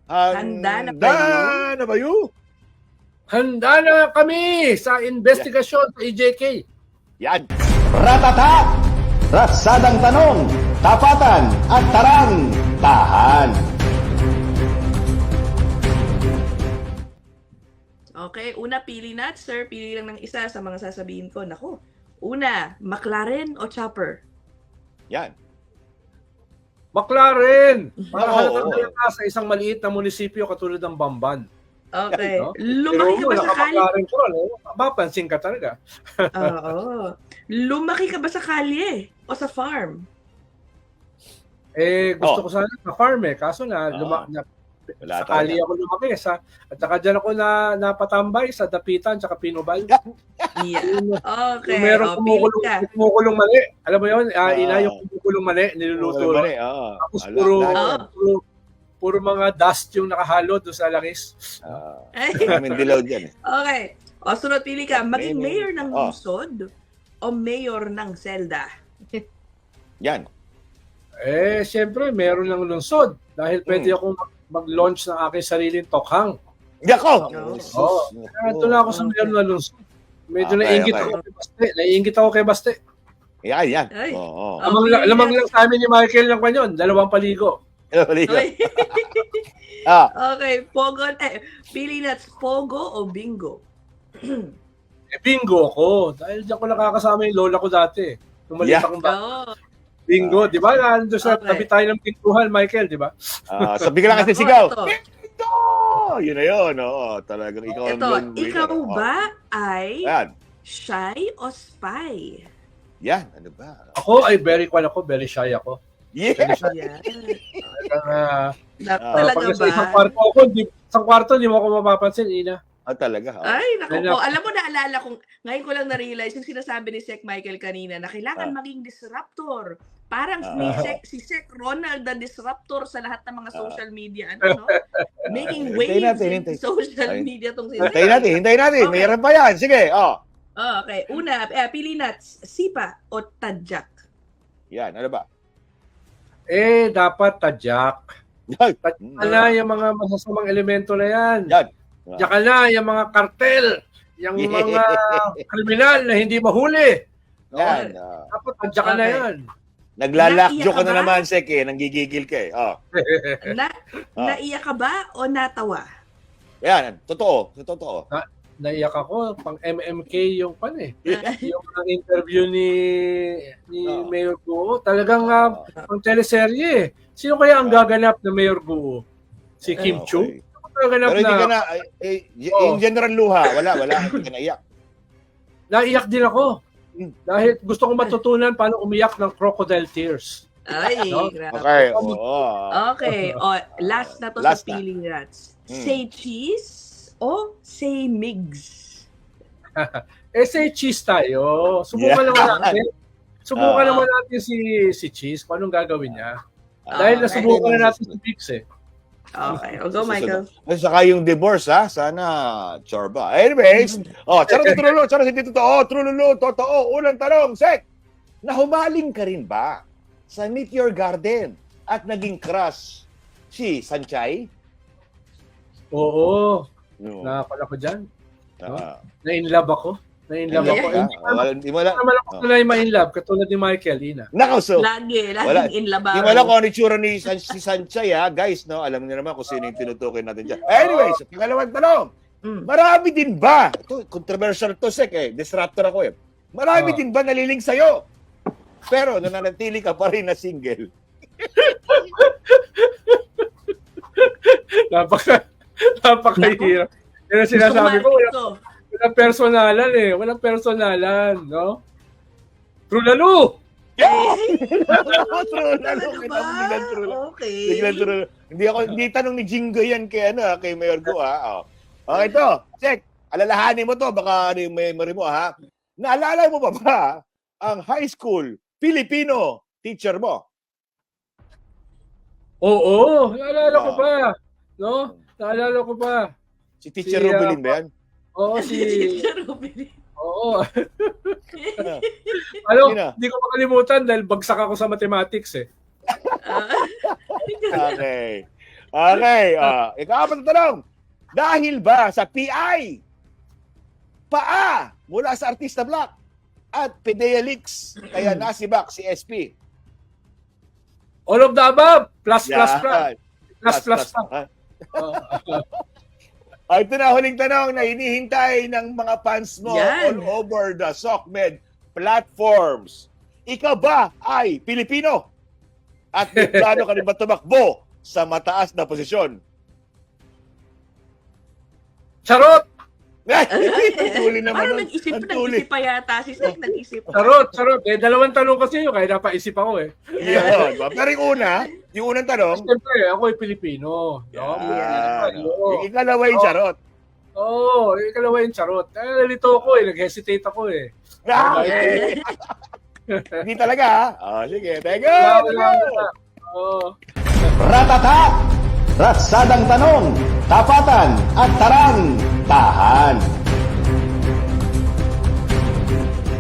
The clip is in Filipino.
Handa na ba yun? Na ba yun? Handa na kami sa investigasyon sa EJK. Yan. Ratata! Ratsadang tanong, tapatan at tarang, tahan. Okay, una pili na, sir. Pili lang ng isa sa mga sasabihin ko. Naku, una, McLaren o Chopper? Yan. McLaren! Para Oo, halatang oo. halata sa isang maliit na munisipyo katulad ng Bamban. Okay. No? Lumaki ka ba sa kalye? McLaren ko, no? Mapansin ka talaga. Oo. Lumaki ka ba sa kalye o sa farm? Gusto ko sana sa farm Kaso na, Wala sa kali ako lumaki. At saka dyan ako napatambay sa Dapitan at Pinobal. Yeah. Okay. Yung merong Pili ka. kumukulong mali. Alam mo yun, ina yung kumukulong mali, niluluto. Tapos puro mga dust yung nakahalo doon sa langis. Maraming dilaw dyan. Okay. O, sunod pili ka. Maging mayor ng Oh. lungsod o mayor ng selda? Yan. Siyempre, meron ng lungsod. Dahil pwede akong mag-launch ng aking sariling tokhang. Yako! Ito na ako sa meron ng lungsod. Medyo Okay, naiingit okay. ako kay Baste. Naiingit ako kay Baste. Yan. Ay. Oo. Lamang lang sa amin ni Michael ng kanyon. 2 paligo. Oy. Ah, Okay. Pili na. Pogo o bingo? Bingo ako. Dahil diyan ko nakakasama yung lola ko dati. Nung maliit akong bata. Oo. Bingo, di ba? Nandun sa Okay. tabi tayo ng pintuhan, Michael, di ba? so bigla kasi Nako, sigaw. ito. Ito! Yun na yun. Oo, talagang ikaw ang Ito, lone winner. ikaw ba ay Yan. shy o spy? Yan. Ano ba? Ako ay very shy ako. Yeah. Yan. Pag Talaga nasa isang ba? kwarto ako, isang kwarto, di mo ako mapapansin, Ina. Talaga. Ay, naku Ayun po. Alam mo, naalala kong, ngayon ko lang na-realize yung sinasabi ni Sec Michael kanina na kailangan maging disruptor. Parang si Sec Ronald the disruptor sa lahat ng mga social media. Ano, no? Making waves in social media tong Hintayin natin. Okay. Mayroon pa yan. Sige. Okay. Una, pili na, sipa o tadyak? Yan. Ano ba? Dapat tadyak. Tadyak na yung mga masasamang elemento na yan. Yan. Tadyak na yung mga kartel. Yung mga kriminal na hindi mahuli. Yan. Dapat tadyak na yan. Naglalakjo ka Naiyak ka na ba? naman, Sek. Nanggigigil ka Naiyak ka ba o natawa? Yan. Totoo. Naiyak ako. Pang MMK yung yung interview ni Mayor Guo. Talagang pang teleserye. Sino kaya ang gaganap na Mayor Guo? Si Kim Chu? Okay. Gaganap Pero hindi ka na, na, in general luha, wala, hindi ka naiyak. naiyak din ako. Dahil gusto kong matutunan paano umiyak ng crocodile tears. Ay, No? grabe. Okay, oo. Okay. Last na to Last sa na. Peeling Rats. Say cheese o say migs? Say cheese tayo. Subukan naman natin si Cheese kung anong gagawin niya. Dahil nasubukan na natin si Bix Okay. Go, Michael. At saka yung divorce, sana chorba. Anyways, charot, hindi totoo. Trululu, totoo. Unang tanong, Sek, nahumaling ka rin ba sa Meet Your Garden at naging crush si Sanchay? Oo. No. Nakapala ko dyan. Ah. Na-inlove ako. Hindi Wala. naman ako sanay ma-inlove katulad ni Michael, Ina. Nakaw, so. Laging in labaw. Hindi mo alam kung ano itsura ni si Sanchay, guys, no? Alam niyo naman kung sino yung tinutukoy natin dyan. Anyways, pangalawang tanong. Marami din ba? Ito, controversial to, Sek, disruptor ako, Marami din ba naliling sa'yo? Pero nananatili ka pa rin na single. Napakahirap. Yan ang sinasabi ko, walang personalan Walang personalan, no? True lalo! True lalo. Okay. Hindi tanong ni Jingo yan kay Mayor Go, Okay to, check. Alalahanin mo to, baka yung memory mo, Naalala mo ba ang high school Filipino teacher mo? Oo, naalala ko pa. No? Naalala ko pa. Si Teacher Rubilin ba yan? Oo, si... Teacher Rubilin. Oo. Sino? Hindi ko makalimutan dahil bagsak ako sa mathematics Okay. Okay, ikaw na tanong. Dahil ba sa PI, paa mula sa Artista Black at Pidea Leaks, kaya nasibak si SP? All of the above. Plus. Yan. Plus. Ito na huling tanong na hinihintay ng mga fans mo Yan. all over the SOCMED platforms. Ikaw ba ay Pilipino? At may plano ka rin ba tumakbo sa mataas na posisyon? Charot! Tuli naman. Parang nun. nag-isip pa yata si Sek, nag-isip pa. Charot. Dalawang tanong kasi yun, kaya napaisip ako eh. Yan. Pero yung unang tanong, Siyempre, ako ay Pilipino. No? yung ikalawa yung charot. Oo, ikalawa yung charot. Nalito ako nag-hesitate ako eh. Hindi talaga ha? Sige, thank you! Oo. Ratata! Ratsadang tanong, tapatan at tarang, tahan.